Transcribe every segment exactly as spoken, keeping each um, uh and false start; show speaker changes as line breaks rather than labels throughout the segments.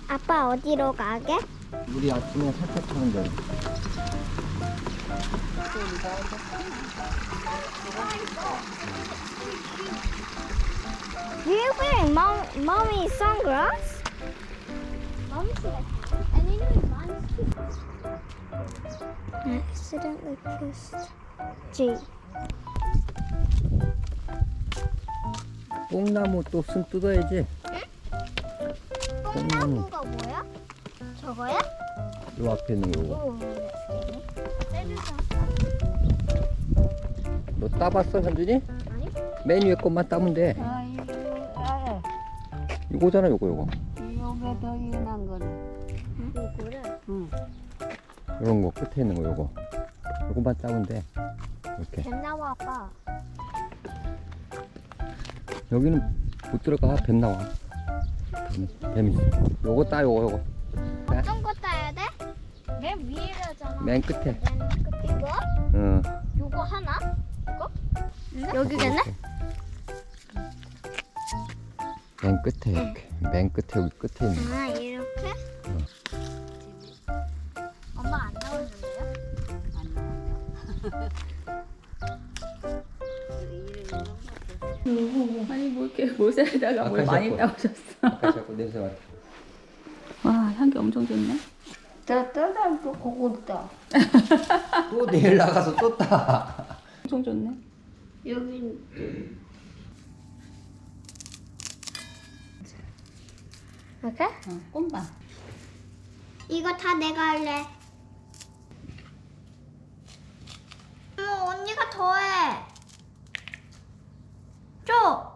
아빠 어디로 가게?
우리 아침에 살짝 차는 데.
Do you wearing mom, mommy's sunglasses? Mommy's and you know mom's I accidentally kissed G.
뽕나무 또 쓴 뜯어야지.
뽕나무가 뭐야? 저거야?
요 앞에 있는 거.
오, 떼주세요.
너 따봤어, 현준이?
아니?
맨 위에 것만 따면 돼.
아, 이거 알아.
요거잖아, 요거, 요거.
요게 더 연한 거네.
이거를?
응.
요런 거, 끝에 있는 거, 요거. 요거만 따면 돼. 이렇게.
뱀 나와 아빠.
여기는 못 들어가, 뱀 나와. 뱀, 뱀 있어. 요거 따, 요거, 요거. 자,
어떤 거 따야 돼? 맨 위에라잖아.
맨 끝에.
맨 끝. 이거?
응.
요거 하나? 이거? 여기겠네?
맨 끝에, 이렇게. 맨 끝에, 여기 끝에 있는 거.
아 이렇게?
응.
엄마 안 나오는데요?
안 나온다.
아니 뭐 이렇게 모자에다가 뭘
아까
많이
샤워.
따오셨어.
아까 자꾸 냄새 맡아.
와 향기 엄청 좋네.
더 떠다 또 고급다.
또 내일 나가서 또 따.
엄청 좋네.
여기
이렇게?
어, 꽃만.
이거 다 내가 할래. 어머 언니가 더해. 줘.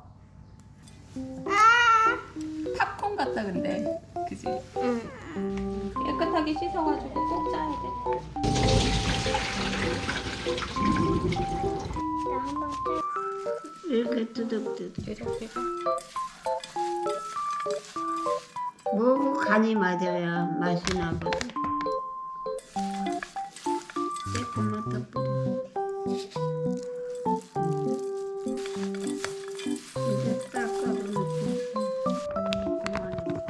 아.
팝콘 같다 근데. 그지?
응.
깨끗하게 씻어가지고 꼭 짜야 돼.
나 한번 짜.
이렇게 뚜덕뚜덕.
이렇게.
뭐고 간이 맞아야 맛이 나거든. 조금만 더 뿌려. 이제 닦아놓고 그만해.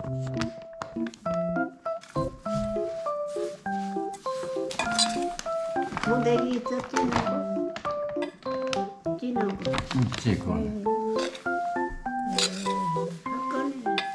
고데기 있어 찌는 거? 찌는 거.
있지, 그건.
꺼내.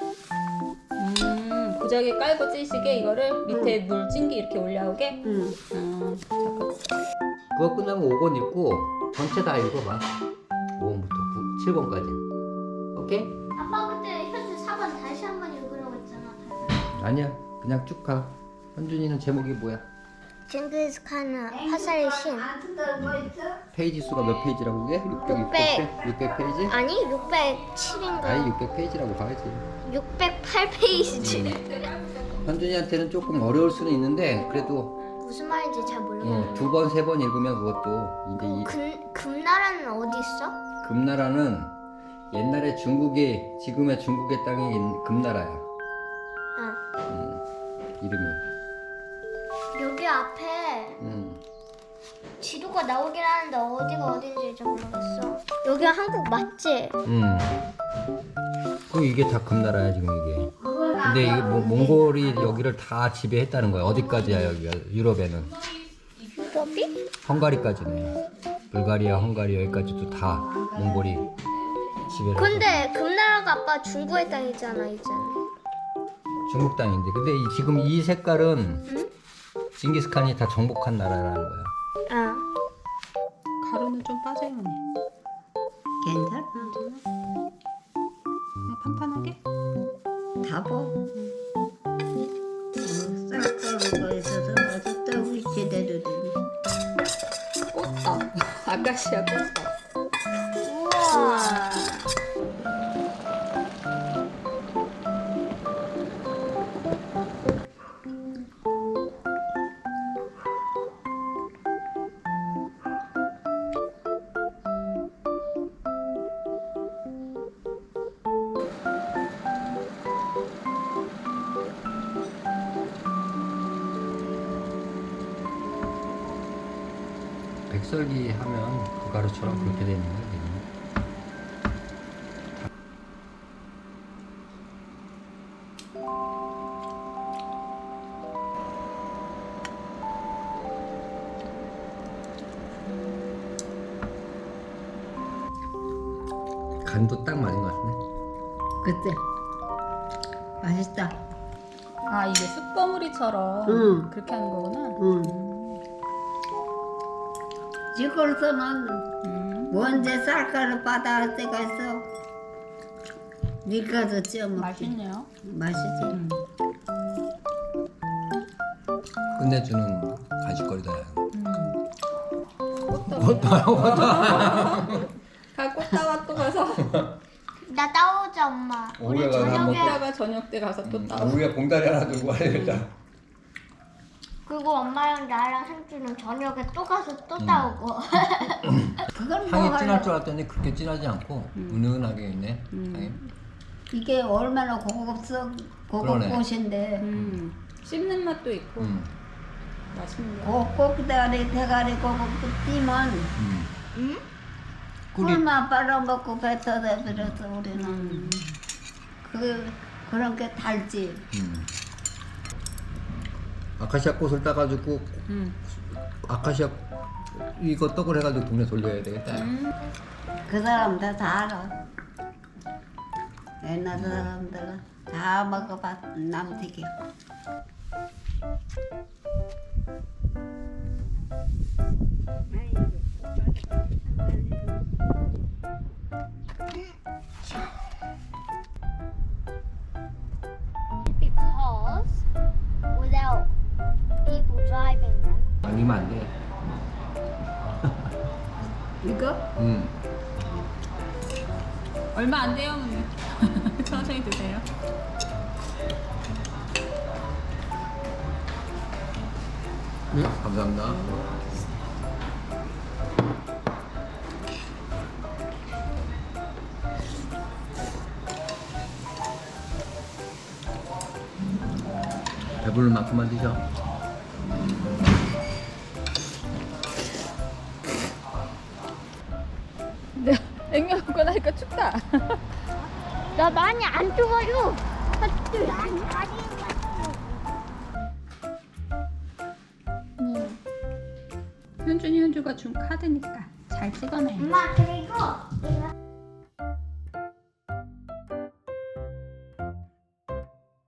음 고자기 깔고 찌시게 이거를 밑에 물 찐기 이렇게 올라오게.
응.
음 잠깐.
그거 끝나면 오 권 읽고 전체 다 읽어봐. 오 번부터 칠 번까지. 오케이?
아빠 그때 현재 사 번 다시 한번 읽으라고 했잖아.
아니야. 그냥 쭉 가. 현준이는 제목이 뭐야?
징기스칸은 화살의 신.
페이지 수가 몇 페이지라고 그게? 육백, 육백, 육백 페이지?
아니 육백칠인가?
아니 육백 페이지라고 봐야지.
육백팔 페이지.
현준이한테는 조금 어려울 수는 있는데 그래도
무슨 말인지 잘 모르겠네.
두 번, 세 번 읽으면 그것도 이제 이
금, 금나라는 어디 있어?
금나라는 옛날에 중국이 지금의 중국의 땅이 금나라야.
아
음, 이름이.
여기 앞에
음.
지도가 나오긴 하는데 어디가 어딘지 잘 모르겠어. 여기가 한국 맞지?
음. 그 이게 다 금나라야 지금 이게. 근데 이게 뭐, 몽골이 여기를 다 지배했다는 거야. 어디까지야 여기가 유럽에는.
유럽이?
헝가리까지네. 불가리아, 헝가리 여기까지도 다 몽골이 지배를.
근데 금나라가 아빠 중국의 땅이잖아 이제.
중국 땅인데. 근데 이, 지금 이 색깔은
응?
징기스칸이 다 정복한 나라라는 거야.
아.
가루는 좀 빠져야 해.
괜찮아.
그냥 판판하게.
다 봐. 쌀가루가 있어서 아주 떡이 제대로 되네.
꽃다. 아카시아 꽃다.
우와.
백설기 하면 그 가루처럼 그렇게 되는 거야. 지금. 간도 딱 맞은 것 같네.
그때 맛있다.
아 이게 숯버무리처럼
응.
그렇게 하는 거구나.
응. 지골서는
음.
먼저 쌀가루 받아올 때가 있어. 밀가루 쪄 먹지.
맛있네요.
맛있지.
음.
끝내주는 간식거리다.
음. 꽃다.
꽃다요, 꽃다.
가 꽃다와 또 가서
나 따오자 엄마. 우리
오후에 가서 한번
저녁에
꽃다가 저녁 때 가서 또 따.
우리가 봉다리 하나 들고 와야 되겠다.
그리고 엄마랑 나랑 상주는 저녁에 또 가서 또 따오고.
그건 뭐
향이 진할
하려고.
줄 알았더니 그렇게 진하지 않고 은은하게 있네. 향이.
이게 얼마나 고급스러운
그러네.
고급꽃인데
음. 씹는 맛도 있고
음.
맛있네요.
고급대가리 대가리 고급도 띠면
음.
응?
꿀이
꿀만 빨아먹고 뱉어내 버려서 우리는
음.
그 그런 게 달지.
음. 아카시아 꽃을 따가지고
음.
아카시아 이거 떡을 해가지고 동네 돌려야 되겠다.
음.
그 사람들 다 알아. 옛날 사람들은 다 먹어봤 남튀기.
Because without people driving them.
아니면 안 돼.
이거?
음.
얼마 안 돼요, 어머니. 천천히 드세요.
네, 감사합니다. 배부를 만큼만 드셔.
네, 냉면 먹고 나니까 춥다.
나 많이 안 추워요.
현준이 현주가 준 카드니까 잘 찍어내.
엄마 그리고